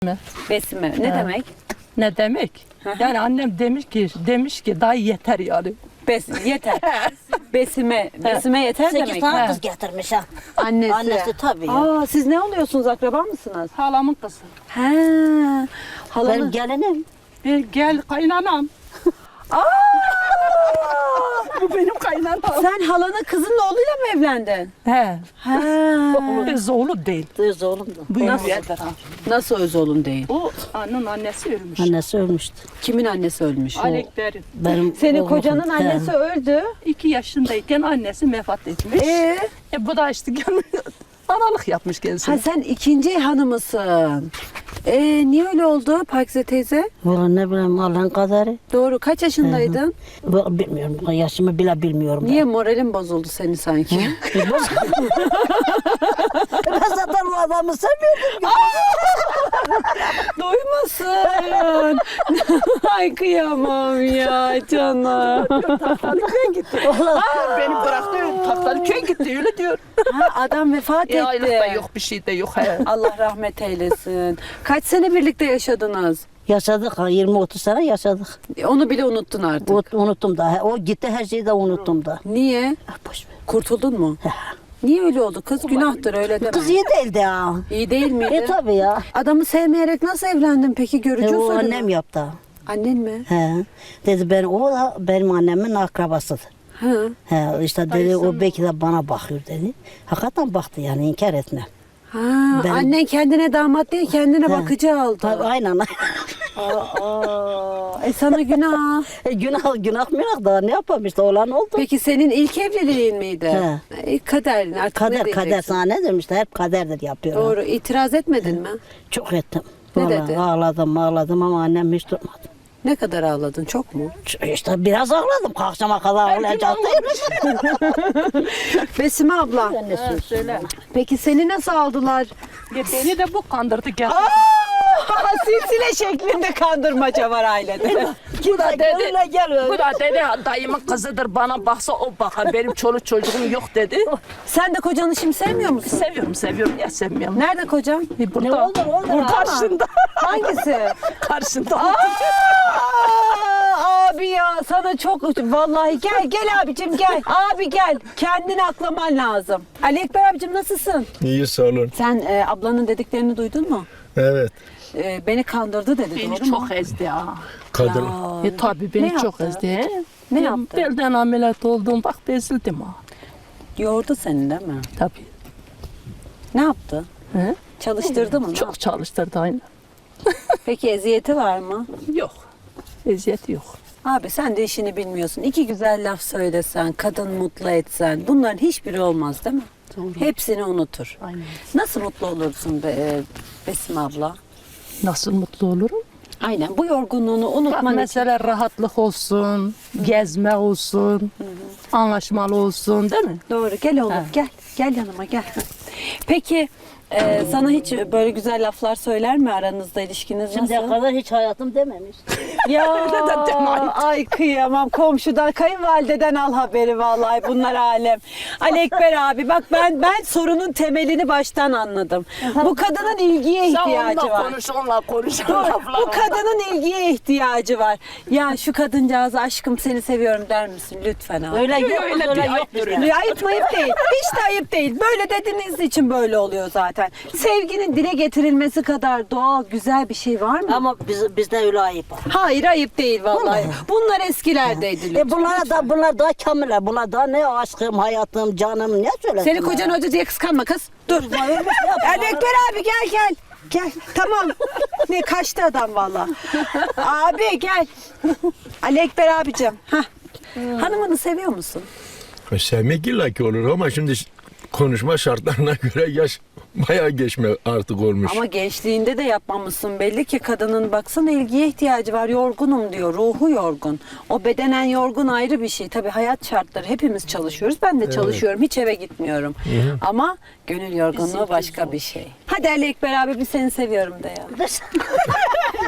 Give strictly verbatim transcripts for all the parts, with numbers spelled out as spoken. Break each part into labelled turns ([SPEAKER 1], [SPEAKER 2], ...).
[SPEAKER 1] mi?
[SPEAKER 2] Besime. Ne
[SPEAKER 1] Ha.
[SPEAKER 2] demek?
[SPEAKER 1] Ne demek? Yani annem demiş ki demiş ki daha yeter yani.
[SPEAKER 2] Bes yeter. Besime. Besime yeter
[SPEAKER 3] Sekiz
[SPEAKER 2] demek.
[SPEAKER 3] tane
[SPEAKER 1] Ha.
[SPEAKER 3] kız getirmiş ha.
[SPEAKER 2] Annesi.
[SPEAKER 3] Annesi tabii ya.
[SPEAKER 2] Aa, siz ne oluyorsunuz? Akraba mısınız?
[SPEAKER 1] Halamın kızı.
[SPEAKER 2] He.
[SPEAKER 3] Benim
[SPEAKER 2] Halanın.
[SPEAKER 3] gelinim.
[SPEAKER 1] E, gel kaynanam.
[SPEAKER 2] Aa!
[SPEAKER 1] Bu benim kaynanam.
[SPEAKER 2] Sen halanın kızının oğluyla mı evlendin?
[SPEAKER 1] He.
[SPEAKER 2] Ha.
[SPEAKER 1] Biz oğlu değil.
[SPEAKER 3] Kız oğlum da.
[SPEAKER 1] Bu
[SPEAKER 2] Nasıl?
[SPEAKER 1] yeter ha.
[SPEAKER 2] Nasıl öz oğlun değil?
[SPEAKER 1] O annenin annesi ölmüş.
[SPEAKER 3] Annesi ölmüştü.
[SPEAKER 2] Kimin annesi ölmüş?
[SPEAKER 1] Alekber'in.
[SPEAKER 3] Benim
[SPEAKER 2] Senin
[SPEAKER 3] oğlum-
[SPEAKER 2] kocanın
[SPEAKER 3] He.
[SPEAKER 2] annesi öldü.
[SPEAKER 1] İki yaşındayken annesi vefat etmiş.
[SPEAKER 2] Ee?
[SPEAKER 1] E, bu da işte gelmiş, analık yapmış kendisi.
[SPEAKER 2] Ha sen ikinci hanımısın. Ee, niye öyle oldu Pakize teyze?
[SPEAKER 3] Vallahi ne bileyim Allah'ın kaderi.
[SPEAKER 2] Doğru. Kaç yaşındaydın?
[SPEAKER 3] Bu- Bilmiyorum. Yaşımı bile bilmiyorum.
[SPEAKER 2] Niye moralin bozuldu senin sanki?
[SPEAKER 3] Ben. ben zaten bu adamı sevmiyordum.
[SPEAKER 2] Duymasın. Ay kıyamam ya canım.
[SPEAKER 1] Taktalıköy'e gitti. Aa, beni bıraktı Taktalıköy'e gitti öyle diyor.
[SPEAKER 2] Ha, adam vefat
[SPEAKER 1] E, aylık da
[SPEAKER 2] etti.
[SPEAKER 1] yok bir şey de yok. He.
[SPEAKER 2] Allah rahmet eylesin. Kaç sene birlikte yaşadınız?
[SPEAKER 3] Yaşadık ha, yirmi otuz sene yaşadık.
[SPEAKER 2] Onu bile unuttun artık.
[SPEAKER 3] Bu- Unuttum da. O gitti her şeyi de unuttum da.
[SPEAKER 2] Niye?
[SPEAKER 3] Ah, boş ver.
[SPEAKER 2] Kurtuldun mu? Niye öyle oldu? Kız günahtır öyle deme.
[SPEAKER 3] Kız iyi değildi ha.
[SPEAKER 2] İyi değil miydi?
[SPEAKER 3] E tabii ya.
[SPEAKER 2] Adamı sevmeyerek nasıl evlendin peki? Görücü
[SPEAKER 3] E, o
[SPEAKER 2] usulü mü?
[SPEAKER 3] annem yaptı.
[SPEAKER 2] Annen mi?
[SPEAKER 3] He. Dedi ben o da benim annemin akrabasıdır.
[SPEAKER 2] Ha.
[SPEAKER 3] He, işte dedi
[SPEAKER 1] Dayısı
[SPEAKER 3] o
[SPEAKER 1] mı?
[SPEAKER 3] belki de bana bakıyor dedi. Hakikaten baktı yani inkar etme.
[SPEAKER 2] Ha,
[SPEAKER 3] Ben-
[SPEAKER 2] annen kendine damat değil kendine
[SPEAKER 3] He.
[SPEAKER 2] bakıcı aldı.
[SPEAKER 3] Tabii aynen.
[SPEAKER 2] Aa, e sana günah.
[SPEAKER 3] E, günah günah günah da ne yapalım işte olan oldu.
[SPEAKER 2] Peki senin ilk evliliğin miydi?
[SPEAKER 3] He.
[SPEAKER 2] E, kader artık ne
[SPEAKER 3] Kader kader
[SPEAKER 2] diyeceksin?
[SPEAKER 3] sana ne demişler hep kaderdir yapıyor.
[SPEAKER 2] Doğru. İtiraz etmedin mi?
[SPEAKER 3] Çok ettim.
[SPEAKER 2] Ne
[SPEAKER 3] Vallahi
[SPEAKER 2] dedi?
[SPEAKER 3] ağladım ağladım ama annem hiç durmadı.
[SPEAKER 2] Ne kadar ağladın? Çok mu?
[SPEAKER 3] İşte biraz ağladım. Akşama kadar ağlayacaktım.
[SPEAKER 2] Besime abla.
[SPEAKER 3] Ne söz
[SPEAKER 1] Söyle.
[SPEAKER 2] Peki seni nasıl aldılar?
[SPEAKER 1] E, beni de bu kandırdı geldi.
[SPEAKER 2] Silsile şeklinde kandırmaca var ailede.
[SPEAKER 1] Bu da dedi.
[SPEAKER 3] Öyle gel
[SPEAKER 1] Bu da dedi dayımın kızıdır bana baksa o bakar. Benim çoluk çocuğum yok dedi.
[SPEAKER 2] Sen de kocanı şimdi sevmiyor musun?
[SPEAKER 1] Seviyorum seviyorum ya sevmiyorum.
[SPEAKER 2] Nerede kocan?
[SPEAKER 1] E, burada,
[SPEAKER 3] Ne olur olur.
[SPEAKER 1] burada karşında.
[SPEAKER 2] Hangisi?
[SPEAKER 1] karşında.
[SPEAKER 2] Aa, abi ya sana çok vallahi gel gel abicim gel. Abi gel. Kendini aklaman lazım. Ali Ekber abicim nasılsın?
[SPEAKER 4] İyi sağ olun.
[SPEAKER 2] Sen e, ablanın dediklerini duydun mu?
[SPEAKER 4] Evet.
[SPEAKER 2] E, beni kandırdı dedi
[SPEAKER 1] Beni
[SPEAKER 2] doğru mu?
[SPEAKER 1] çok ezdi ha.
[SPEAKER 4] Kadın.
[SPEAKER 2] Ya,
[SPEAKER 1] E tabi beni
[SPEAKER 2] Ne
[SPEAKER 1] çok
[SPEAKER 2] yaptı?
[SPEAKER 1] ezdi. He.
[SPEAKER 2] Ne
[SPEAKER 1] Ben
[SPEAKER 2] yaptı?
[SPEAKER 1] Belden ameliyat oldum bak bezildim ha.
[SPEAKER 2] yordu seni değil mi?
[SPEAKER 1] Tabi.
[SPEAKER 2] Ne yaptı?
[SPEAKER 1] He?
[SPEAKER 2] Çalıştırdı mı? Ne
[SPEAKER 1] Çok
[SPEAKER 2] yaptı?
[SPEAKER 1] çalıştırdı aynı.
[SPEAKER 2] Peki eziyeti var mı?
[SPEAKER 1] Yok. Eziyeti yok.
[SPEAKER 2] Abi sen de işini bilmiyorsun. İki güzel laf söylesen, kadın mutlu etsen bunların hiçbiri olmaz değil mi?
[SPEAKER 1] Doğru.
[SPEAKER 2] Hepsini unutur.
[SPEAKER 1] Aynen.
[SPEAKER 2] Nasıl mutlu olursun be, e, Besim abla?
[SPEAKER 1] Nasıl mutlu olurum?
[SPEAKER 2] Aynen bu yorgunluğunu
[SPEAKER 1] Bak
[SPEAKER 2] unutman için.
[SPEAKER 1] mesela rahatlık olsun, gezme olsun, anlaşmalı olsun değil mi?
[SPEAKER 2] Doğru gel oğlum
[SPEAKER 1] Ha.
[SPEAKER 2] gel. Gel yanıma gel. Peki e, sana hiç böyle güzel laflar söyler mi aranızda ilişkiniz
[SPEAKER 3] Şimdiye
[SPEAKER 2] nasıl?
[SPEAKER 3] kadar hiç hayatım dememiş.
[SPEAKER 2] Ya
[SPEAKER 1] de deme, ayıp.
[SPEAKER 2] ay kıyamam komşudan kayınvalideden al haberi vallahi bunlar alem. Ali Ekber abi bak ben ben sorunun temelini baştan anladım. Bu kadının ilgiye
[SPEAKER 1] Sen
[SPEAKER 2] ihtiyacı
[SPEAKER 1] onunla
[SPEAKER 2] var.
[SPEAKER 1] konuş, onunla konuş.
[SPEAKER 2] Dur,
[SPEAKER 1] laflar
[SPEAKER 2] bu
[SPEAKER 1] onunla.
[SPEAKER 2] kadının ilgiye ihtiyacı var. Ya şu kadıncağıza aşkım seni seviyorum der misin lütfen abi?
[SPEAKER 3] Öyle yok.
[SPEAKER 1] öyle
[SPEAKER 3] öyle
[SPEAKER 1] değil,
[SPEAKER 3] yok
[SPEAKER 1] ayıptır
[SPEAKER 3] bizde.
[SPEAKER 1] öyle.
[SPEAKER 2] Ya ayıp mayıp değil. Hiç de ayıp değil. Böyle dediğiniz için böyle oluyor zaten. Sevginin dile getirilmesi kadar doğal, güzel bir şey var mı?
[SPEAKER 3] Ama biz, bizde öyle ayıp var.
[SPEAKER 2] Hayır ayıp değil vallahi. Bunlar eskilerdeydi lütfen.
[SPEAKER 3] E bunlara da bunlar daha kamiller. Bunlar daha ne aşkım, hayatım, canım ne söylesin?
[SPEAKER 2] Seni kocan hoca diye kıskanma kız. Dur. Ali Ekber abi gel gel. Gel tamam. Ne kaçtı adam valla. Abi gel. Ali Ekber abicim. Hah. Hanımını seviyor musun?
[SPEAKER 4] Sevmek illa ki olur ama şimdi konuşma şartlarına göre yaş bayağı geçme artık olmuş.
[SPEAKER 2] Ama gençliğinde de yapmamışsın belli ki kadının baksana ilgiye ihtiyacı var yorgunum diyor ruhu yorgun. O bedenen yorgun ayrı bir şey tabii hayat şartları hepimiz çalışıyoruz ben de çalışıyorum hiç eve gitmiyorum. Ama gönül yorgunluğu başka bir şey. Hadi Ali Ekber abi bir seni seviyorum de ya.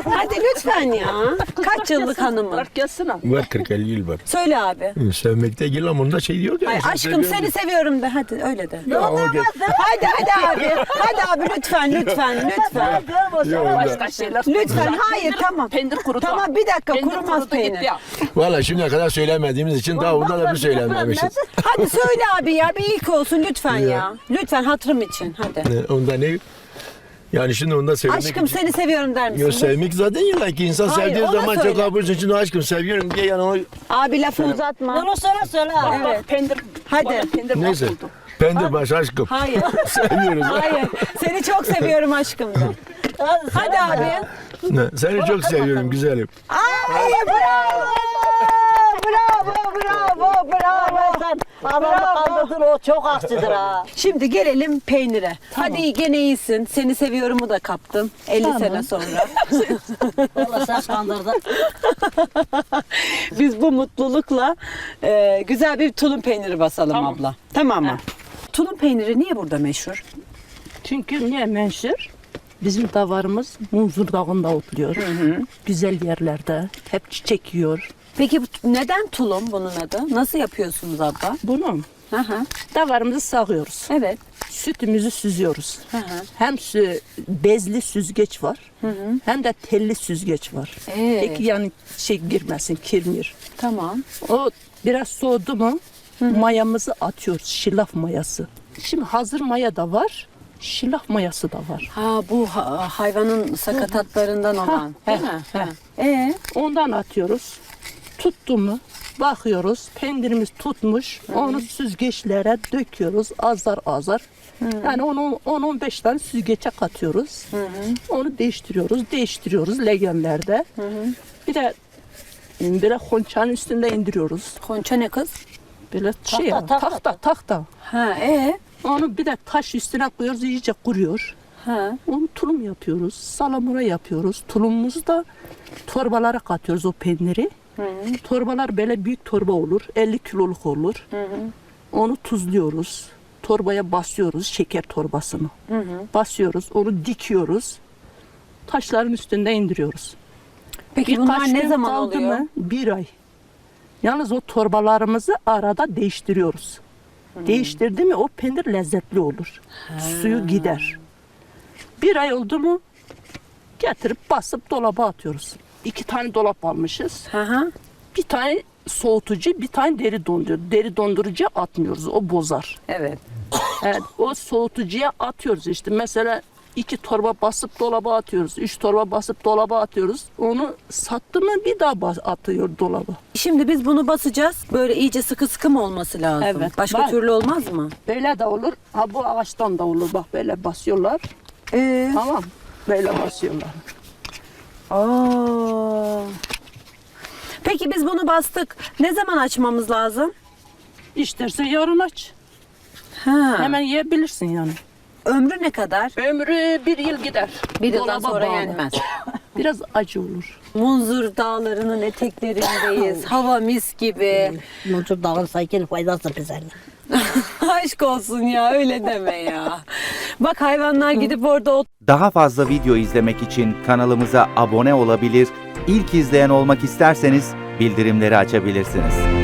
[SPEAKER 2] Hadi lütfen ya. Kaç yıllık hanımın?
[SPEAKER 1] Gelsin abi.
[SPEAKER 4] Var kırk elli yıl var.
[SPEAKER 2] Söyle abi.
[SPEAKER 4] Sevmekte değil ama onda şey diyor ya.
[SPEAKER 2] Ay
[SPEAKER 4] sen
[SPEAKER 2] aşkım
[SPEAKER 4] seviyorsun.
[SPEAKER 2] seni seviyorum de hadi öyle de.
[SPEAKER 4] Ya, o gel.
[SPEAKER 2] Hadi hadi abi. Hadi abi lütfen lütfen lütfen.
[SPEAKER 4] Yok, onda.
[SPEAKER 1] Başka şeyler.
[SPEAKER 2] Lütfen hayır tamam.
[SPEAKER 1] Peynir kurudu.
[SPEAKER 2] Tamam bir dakika
[SPEAKER 1] Peynir
[SPEAKER 2] kurumaz
[SPEAKER 1] kurudu gitti
[SPEAKER 2] peynir.
[SPEAKER 1] ya.
[SPEAKER 4] Valla şimdiye kadar söylemediğimiz için daha onda da bir söylememişiz.
[SPEAKER 2] Hadi söyle abi ya bir ilk olsun lütfen ya. Lütfen hatırım için hadi.
[SPEAKER 4] Ne, onda ne? Yani şimdi onda sevmek
[SPEAKER 2] Aşkım
[SPEAKER 4] için.
[SPEAKER 2] seni seviyorum der misin?
[SPEAKER 4] Yok, sevmek zaten illa ki insan
[SPEAKER 2] Hayır,
[SPEAKER 4] sevdiği
[SPEAKER 2] ona
[SPEAKER 4] zaman
[SPEAKER 2] söyle.
[SPEAKER 4] çok abursun. Şimdi aşkım seviyorum diye yani o
[SPEAKER 2] Abi lafı uzatma.
[SPEAKER 3] Bunu söyle söyle.
[SPEAKER 2] Evet.
[SPEAKER 1] Bak peynir.
[SPEAKER 2] Hadi.
[SPEAKER 1] bana Peynir
[SPEAKER 4] neyse.
[SPEAKER 1] mahvoldu.
[SPEAKER 4] Pendir baş aşkım.
[SPEAKER 2] Hayır.
[SPEAKER 4] Seviyoruz.
[SPEAKER 2] Hayır. Seni çok seviyorum aşkım de. Hadi abi.
[SPEAKER 4] Ne, seni çok seviyorum güzelim.
[SPEAKER 2] Ay bravo. Bravo bravo bravo.
[SPEAKER 3] Sen adamı kaldırdın, o çok aksidir ha.
[SPEAKER 2] Şimdi gelelim peynire. Hadi gene iyisin. Seni seviyorumu da kaptım. elli sene sonra.
[SPEAKER 3] Vallahi sen kandırdın.
[SPEAKER 2] Biz bu mutlulukla e, güzel bir tulum peyniri basalım abla. Tamam mı? Tulum peyniri niye burada meşhur?
[SPEAKER 1] Çünkü niye menşur? Bizim davarımız Munzur Dağı'nda otluyor. Güzel yerlerde. Hep çiçek yiyor.
[SPEAKER 2] Peki bu- neden tulum bunun adı? Nasıl yapıyorsunuz abla?
[SPEAKER 1] Bunu
[SPEAKER 2] Hı hı.
[SPEAKER 1] davarımızı sağıyoruz.
[SPEAKER 2] Evet.
[SPEAKER 1] Sütümüzü süzüyoruz.
[SPEAKER 2] Hı hı.
[SPEAKER 1] Hem sü- bezli süzgeç var, hem de telli süzgeç var.
[SPEAKER 2] Ee?
[SPEAKER 1] Peki yani şey girmesin, kirmir.
[SPEAKER 2] Tamam.
[SPEAKER 1] O biraz soğudu mu mayamızı atıyoruz, şilaf mayası. Şimdi hazır maya da var, şilaf mayası da var.
[SPEAKER 2] Ha bu ha- hayvanın sakatatlarından olan.
[SPEAKER 1] Ha,
[SPEAKER 2] Değil
[SPEAKER 1] he,
[SPEAKER 2] mi?
[SPEAKER 1] he.
[SPEAKER 2] Ha. Ee?
[SPEAKER 1] Ondan atıyoruz. Tuttu mu bakıyoruz, peynirimiz tutmuş, onu süzgeçlere döküyoruz azar azar. Yani onu on on beş tane süzgeçe katıyoruz. Onu değiştiriyoruz, değiştiriyoruz legenlerde. Bir de böyle konçanın üstünde indiriyoruz.
[SPEAKER 2] Konça ne kız?
[SPEAKER 1] Böyle şey ya,
[SPEAKER 3] tahta.
[SPEAKER 1] tahta tahta.
[SPEAKER 2] Ha ee?
[SPEAKER 1] Onu bir de taş üstüne koyuyoruz, iyice kuruyor.
[SPEAKER 2] Ha.
[SPEAKER 1] Onu tulum yapıyoruz, salamura yapıyoruz. Tulumumuzu da torbalara katıyoruz o peyniri. Torbalar böyle büyük torba olur, elli kiloluk olur. Onu tuzluyoruz. Torbaya basıyoruz, şeker torbasını. Basıyoruz, onu dikiyoruz. Taşların üstünde indiriyoruz.
[SPEAKER 2] Peki bunlar
[SPEAKER 1] Birkaç
[SPEAKER 2] ne
[SPEAKER 1] gün
[SPEAKER 2] zaman
[SPEAKER 1] kaldı
[SPEAKER 2] oluyor?
[SPEAKER 1] mı? Bir ay. Yalnız o torbalarımızı arada değiştiriyoruz. Değiştirdi mi o peynir lezzetli olur. Suyu gider. Bir ay oldu mu getirip basıp dolaba atıyoruz. İki tane dolap almışız.
[SPEAKER 2] Hı hı.
[SPEAKER 1] Bir tane soğutucu, bir tane deri dondurucu. Deri dondurucuya atmıyoruz, o bozar.
[SPEAKER 2] Evet.
[SPEAKER 1] Evet, o soğutucuya atıyoruz işte. Mesela iki torba basıp dolaba atıyoruz. Üç torba basıp dolaba atıyoruz. Onu sattı mı bir daha bas- atıyor dolaba.
[SPEAKER 2] Şimdi biz bunu basacağız. Böyle iyice sıkı sıkı mı olması lazım?
[SPEAKER 1] Evet.
[SPEAKER 2] Başka
[SPEAKER 1] Bak.
[SPEAKER 2] türlü olmaz mı?
[SPEAKER 1] Böyle de olur. Ha bu ağaçtan da olur. Bak böyle basıyorlar.
[SPEAKER 2] Ee?
[SPEAKER 1] Tamam. Böyle basıyorlar.
[SPEAKER 2] Aa. Peki biz bunu bastık. Ne zaman açmamız lazım?
[SPEAKER 1] İsterse yarın aç.
[SPEAKER 2] Ha.
[SPEAKER 1] Hemen yiyebilirsin yani.
[SPEAKER 2] Ömrü ne kadar?
[SPEAKER 1] Ömrü bir yıl gider.
[SPEAKER 2] Bir yıldan
[SPEAKER 1] Dolaba
[SPEAKER 2] sonra
[SPEAKER 1] bağlı.
[SPEAKER 2] yenmez.
[SPEAKER 1] Biraz acı olur.
[SPEAKER 2] Munzur dağlarının eteklerindeyiz. Hava mis gibi.
[SPEAKER 3] Muncur dağın saykin faydası bize.
[SPEAKER 2] Aşk olsun ya öyle deme ya. Bak hayvanlar gidip orada ot
[SPEAKER 5] Daha fazla video izlemek için kanalımıza abone olabilir, ilk izleyen olmak isterseniz bildirimleri açabilirsiniz.